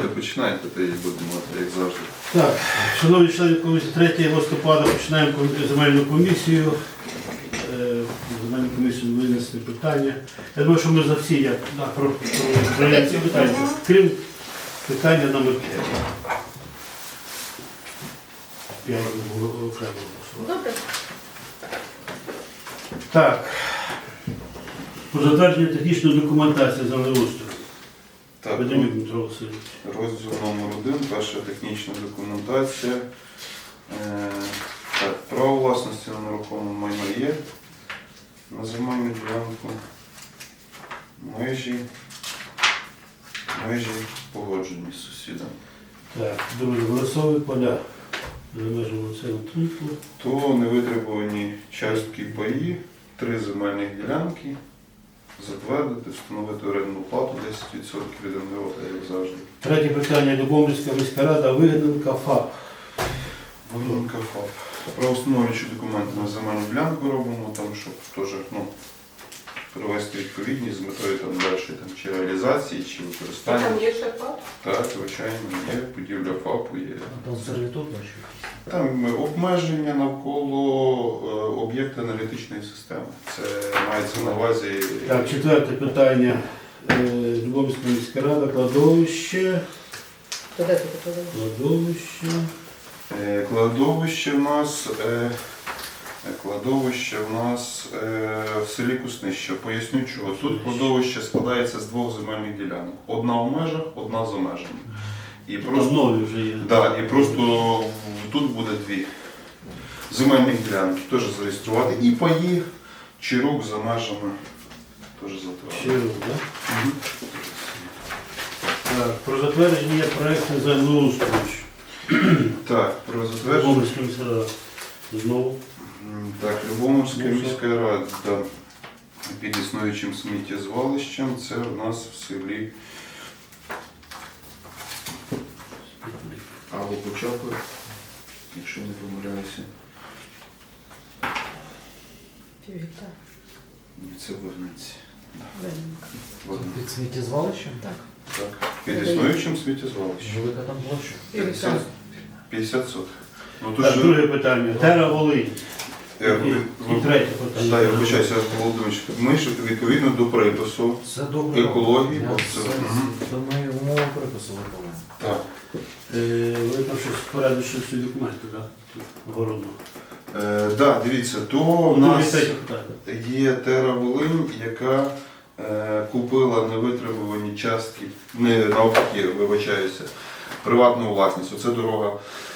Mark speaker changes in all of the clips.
Speaker 1: давайте починайте, та і будемо, як завжди.
Speaker 2: Так, шановні члени комісії, 3 листопада починаємо земельну комісію. Земельну комісію винесли питання. Я думаю, що ми за всі як про ці питання, крім питання номер 5. Я не буду окремо голосувати.
Speaker 3: Добре.
Speaker 2: Так. Про затвердження технічної документації землеустрою.
Speaker 1: Так,
Speaker 2: Ведемюк Дмитро Васильович.
Speaker 1: розділ номер 1, перша технічна документація. Так, право власності на нерухоме майно є. На земельну ділянку. Межі погоджені з сусідом.
Speaker 2: Так, друге, голосові поля за межами населеного пункту.
Speaker 1: То невитребувані частки паї, 3 земельних ділянки. Затвердити, встановити орендну плату 10% від НГО, як завжди.
Speaker 2: Третє питання. Любомльська міська рада, Вигненка, ФАП.
Speaker 1: Вигненка ФАП. Правоустановлюючі документи на земельну ділянку робимо, там, щоб теж привести відповідність з метою там, далі чи реалізації, чи використання.
Speaker 3: Там є ще ФАП?
Speaker 1: Так, звичайно, є. Будівля ФАПу є.
Speaker 4: Там сервітут бачу.
Speaker 1: Там обмеження навколо об'єкта аналітичної системи. Це мається на увазі.
Speaker 2: Так, четверте питання. Любомльська міська рада, кладовище.
Speaker 3: Куди ти подав?
Speaker 2: Кладовище.
Speaker 1: Кладовище в нас в селі Куснище. Поясню чого. Тут кладовище складається з 2 земельних ділянок. Одна в межах, одна за межами. І
Speaker 2: Там нові вже є.
Speaker 1: Да, і просто тут буде 2 земельних ділянки. Теж зареєструвати. І паї, Чирук за межами теж затвердити.
Speaker 2: Щиро, так? Так, про затвердження проєкту землеустрою.
Speaker 1: Так, про затвердження.
Speaker 2: Любомльська міська рада. Знову.
Speaker 1: Так, Любомльська міська рада під існуючим сміттєзвалищем. Це в нас в селі або Почапи, якщо не помиляюся.
Speaker 3: Півгектара.
Speaker 1: Ні, це Вигниці.
Speaker 3: Вигненка.
Speaker 4: Під сміттєзвалищем?
Speaker 3: Так.
Speaker 1: Так, під існуючим сміттєзвалищем.
Speaker 4: Велика там площа.
Speaker 1: 50 соток. Ну, тут
Speaker 2: Так,
Speaker 1: же...
Speaker 2: друге питання. Тера Волинь. І третє питання.
Speaker 1: Так, я вибачаюся, Володимирович. Ми ж відповідно до припису
Speaker 4: Все добре.
Speaker 1: екології.
Speaker 4: То ми умови припису виконуємо.
Speaker 1: Так.
Speaker 2: Ви там щось порядочні документи, так? Городно.
Speaker 1: Так, дивіться, то в нас
Speaker 2: Третє питання.
Speaker 1: є Тера Волинь, яка купила невитребувані частки, не навпаки, вибачаюся, приватну власність. Оце дорога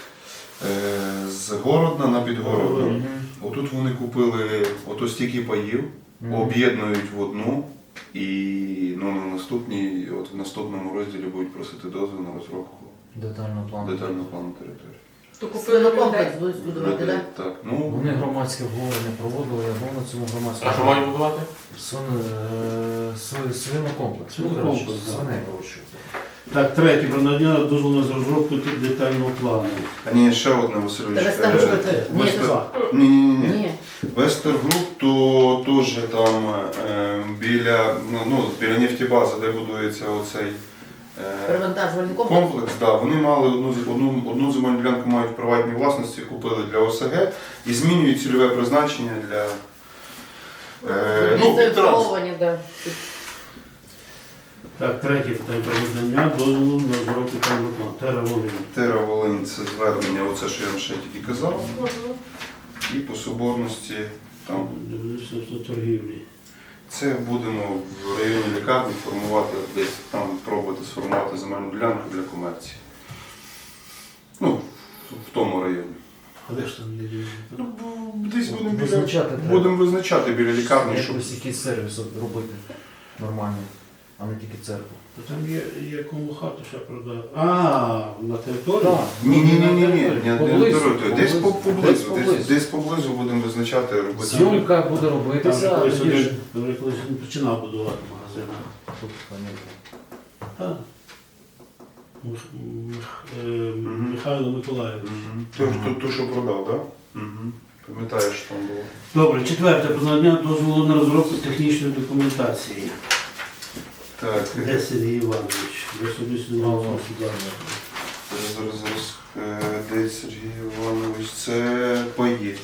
Speaker 1: з Городна на Підгородну. Отут вони купили ото стільки паїв, об'єднують в одну і на наступній, от в наступному розділі будуть просити дозвіл на розробку
Speaker 4: Детального плану.
Speaker 1: території.
Speaker 3: То купили
Speaker 5: Свинокомплекс
Speaker 3: людей.
Speaker 5: будуть будувати,
Speaker 1: Людей,
Speaker 5: так?
Speaker 1: так, ну,
Speaker 4: Вони громадське обговорення проводили, я був на цьому громадському.
Speaker 6: А що мають будувати?
Speaker 4: Свинокомплекс.
Speaker 2: Свинокомплекс, так.
Speaker 4: Свиней вирощують.
Speaker 2: Так, третє. Про надання дозволу на розробку детального плану.
Speaker 1: а ні, ще одне, Васильович.
Speaker 5: Ні, це два.
Speaker 1: Ні.
Speaker 5: Ні.
Speaker 1: Вестергруп, то теж там біля нефтебази, де будується оцей
Speaker 5: Перевантажувальний комплекс.
Speaker 1: комплекс, да, вони мали одну земельну ділянку мають в приватній власності, купили для ОСГ і змінюють цільове призначення для
Speaker 5: Зареєстровані, так.
Speaker 2: Так, третє питання. Про надання дозволу на розробку детального плану. Тера Волинь.
Speaker 1: Тера Волинь, це звернення, оце, що я вам ще тільки казав. І по соборності там.
Speaker 2: Міністерство торгівлі.
Speaker 1: Це будемо в районі лікарні формувати, десь там пробувати сформувати земельну ділянку для комерції. Ну, в тому районі.
Speaker 2: А де ж там є?
Speaker 1: Ну, десь
Speaker 4: Визначати треба.
Speaker 1: будемо визначати біля лікарні, щоб...
Speaker 4: Якось якийсь сервіс робити нормальний, а не тільки церкву.
Speaker 2: Там є кому хату ще продати. А, на території?
Speaker 4: Так.
Speaker 1: Ні,
Speaker 4: Поблизу.
Speaker 1: десь поблизу,
Speaker 4: Поблизу.
Speaker 1: десь поблизу будемо визначати, робити.
Speaker 4: Зйомка буде
Speaker 2: Там
Speaker 4: робитися.
Speaker 2: же колись
Speaker 4: тоді ж-
Speaker 2: один вже колись він починав будувати магазин.
Speaker 4: Тут, понятно.
Speaker 2: Так. Михайло Миколаївич.
Speaker 1: Ту, що продав, так? Угу. Пам'ятаєш, що там було.
Speaker 2: Добре, четверте. Про надання дозволу на розробку технічної документації.
Speaker 1: Так,
Speaker 2: Де Сергій Іванович? Я особисто не мав змогу сюди.
Speaker 1: Зараз. Де Сергій Іванович, це паї.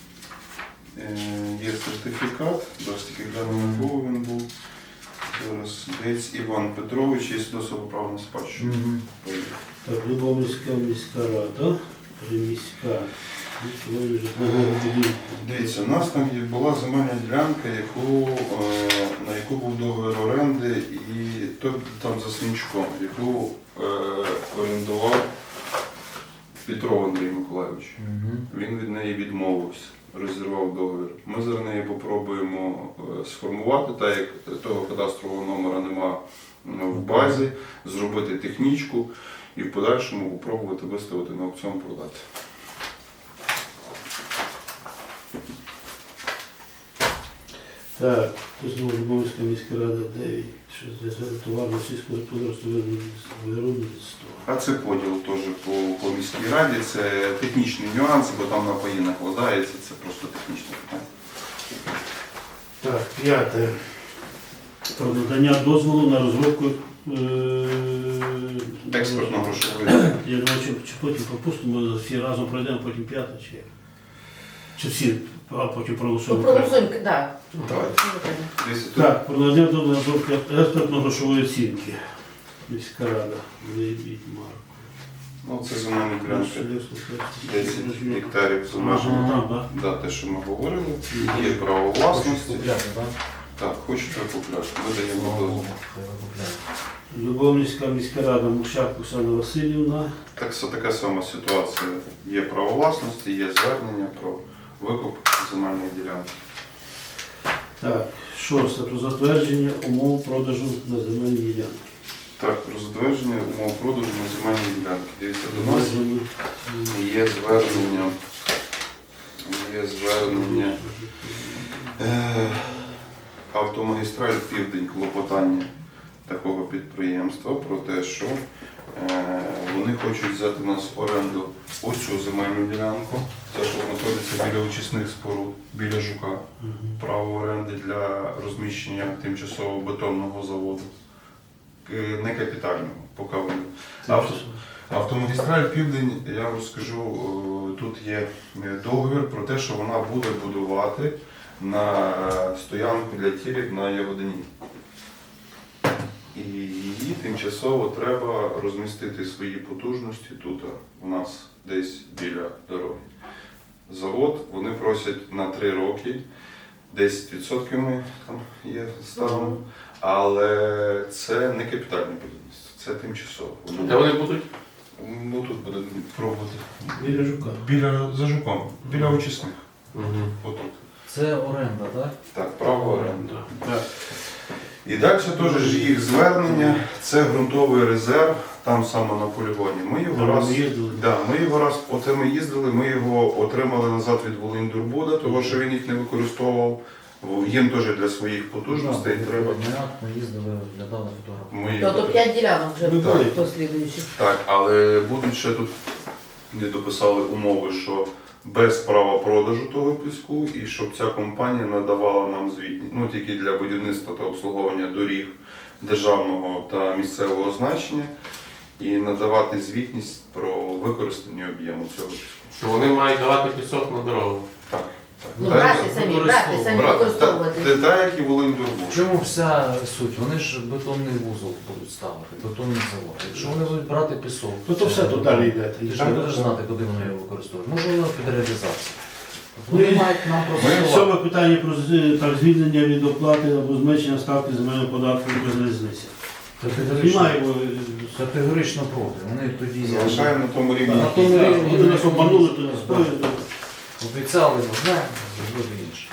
Speaker 1: Є сертифікат, зараз тільки глянемо, якого він був. Зараз Дець Іван Петрович, є свідоцтво про право на спадщину. Паї.
Speaker 2: Так, Любомльська міська рада, приміська, житлового будинку.
Speaker 1: Дивіться, у нас там була земельна ділянка, на яку був договір оренди, і там за Свінчуком, яку орендував Петров Андрій Миколайович. Він від неї відмовився, розірвав договір. Ми зараз неї попробуємо сформувати, так як того кадастрового номера нема в базі, зробити технічку і в подальшому попробувати виставити на аукціон, продати.
Speaker 2: Так, тут знову Любомльська міська рада 9, що для товарно сільського господарства виробництва.
Speaker 1: А це поділ теж по міській раді, це технічний нюанс, бо там на паї накладається, це просто технічне питання.
Speaker 2: Так, 5. Про надання дозволу на розробку
Speaker 1: Експортно-грошовий.
Speaker 2: Я думаю, чи потім пропустимо, всі разом пройдемо, потім 5, чи як? Чи всі, а потім проголосуємо?
Speaker 5: Проголосуємо, так.
Speaker 1: Давайте. Дивіться, тут
Speaker 2: Так, про надання дозволу на розробку експертно-грошової оцінки. Міська рада, Лебідь, Марко.
Speaker 1: це земельні ділянки. 10 гектарів з межами.
Speaker 2: Там, так?
Speaker 1: Да, те, що ми говорили, є право власності.
Speaker 4: Купляти, так?
Speaker 1: Так, хочете купляти, видаємо дозвіл.
Speaker 2: Любомльська міська рада, Мушак Оксана Васильівна.
Speaker 1: Така сама ситуація. Є право власності, є звернення про викуп земельної ділянки.
Speaker 2: Так, 6. Про затвердження умов продажу на земельні ділянки.
Speaker 1: Так, про затвердження умов продажу на земельні ділянки. Дивіться, до нас є звернення Автомагістраль Південь, клопотання такого підприємства про те, що вони хочуть взяти у нас в оренду оцю земельну ділянку, це що знаходиться біля очисних споруд, біля Жука, право оренди для розміщення тимчасового бетонного заводу, не капітального, поки вони. Автомагістраль Південь, я вам розкажу, тут є договір про те, що вона буде будувати на стоянку для тірів на Ягодині. І її тимчасово треба розмістити свої потужності тут, у нас десь біля дороги. Завод вони просять на 3 роки, 10% ми там є ставимо, але це не капітальне будівництво, це тимчасово.
Speaker 6: Де вони будуть?
Speaker 1: Ну тут буде пробувати.
Speaker 2: Біля Жука.
Speaker 1: За Жуком, біля очисних. Отут.
Speaker 4: Це оренда, так?
Speaker 1: Так, право оренди.
Speaker 2: Так.
Speaker 1: І далі теж ж їх звернення, це ґрунтовий резерв, там саме на полігоні. Ми його
Speaker 2: Ми
Speaker 1: раз,
Speaker 2: їздили.
Speaker 1: оце ми їздили, ми його отримали назад від Волиньдурбуда, тому що він їх не використовував. Їм теж для своїх потужностей треба.
Speaker 4: Ми їздили, глядали фотографії.
Speaker 1: Ми їх-
Speaker 5: Тобто 5 ділянок вже
Speaker 2: Ми були.
Speaker 5: послідуючих.
Speaker 1: Так, але будуть ще тут не дописали умови, що без права продажу того піску і щоб ця компанія надавала нам звітність, ну тільки для будівництва та обслуговування доріг державного та місцевого значення і надавати звітність про використання об'єму цього піску.
Speaker 6: Що вони мають давати пісок на дорогу.
Speaker 1: Так.
Speaker 5: Ну, брати самі використовувати.
Speaker 1: Це так, як і Волиньдурбуд.
Speaker 4: В чому вся суть? Вони ж бетонний вузол будуть ставити, бетонний завод. Якщо вони будуть брати пісок,
Speaker 2: Ну то все тут далі йде.
Speaker 4: ти ж не будеш знати, куди вони його використовують. Може воно під реалізацію.
Speaker 2: Ну,
Speaker 4: Вони
Speaker 2: і-
Speaker 4: мають нам просто.
Speaker 2: Сьоме питання про так, звільнення від оплати або зменшення ставки земельного податку без різниці. Немає його.
Speaker 4: Категорично проти. Вони тоді
Speaker 1: Залишаємо на тому рівні.
Speaker 4: На тому
Speaker 2: Так,
Speaker 4: рівні
Speaker 2: Вони нас обманули, то не стоїть.
Speaker 4: обіцяли одне, зробили інше.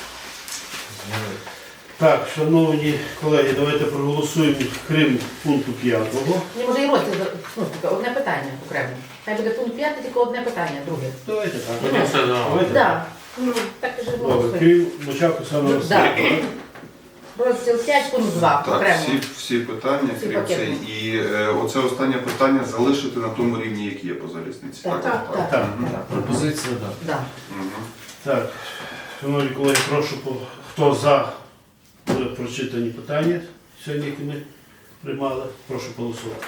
Speaker 4: Зняли.
Speaker 2: Так, шановні колеги, давайте проголосуємо крім пункту 5.
Speaker 5: Ні, може і розділ, ну, таке, одне питання окремо. Хай буде пункт 5, тільки одне питання, друге.
Speaker 2: Давайте так.
Speaker 6: Потім все давай.
Speaker 2: Давайте.
Speaker 5: Так, ну, так і ж
Speaker 2: Добре,
Speaker 5: голосуємо.
Speaker 2: крім Мочаку саме
Speaker 5: Ну, да. Розділ 5, пункт 2,
Speaker 1: Так,
Speaker 5: окремо.
Speaker 1: всі питання,
Speaker 5: Всі
Speaker 1: крім
Speaker 5: пакетні.
Speaker 1: цей. І оце останнє питання залишити на тому рівні, як є по залізниці.
Speaker 5: Так, так.
Speaker 2: Так.
Speaker 1: Мгм.
Speaker 4: Так, пропозиція, так.
Speaker 5: Да.
Speaker 1: Мгм.
Speaker 2: Так, шановні колеги, прошу, хто за прочитані питання сьогодні, які ми приймали. Прошу голосувати.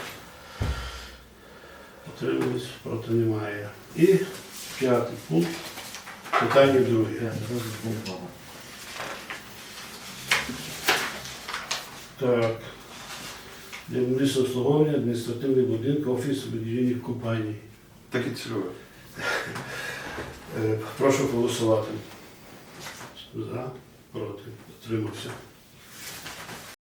Speaker 2: Утримались, проти немає. І 5 пункт. Питання друге.
Speaker 4: П'ятий розділ пункт 2.
Speaker 2: Так. Для медичного обслуговування адміністративних будинків, офісів будівельних компаній.
Speaker 1: Таке цільове.
Speaker 2: Прошу голосувати. За, проти, утримався.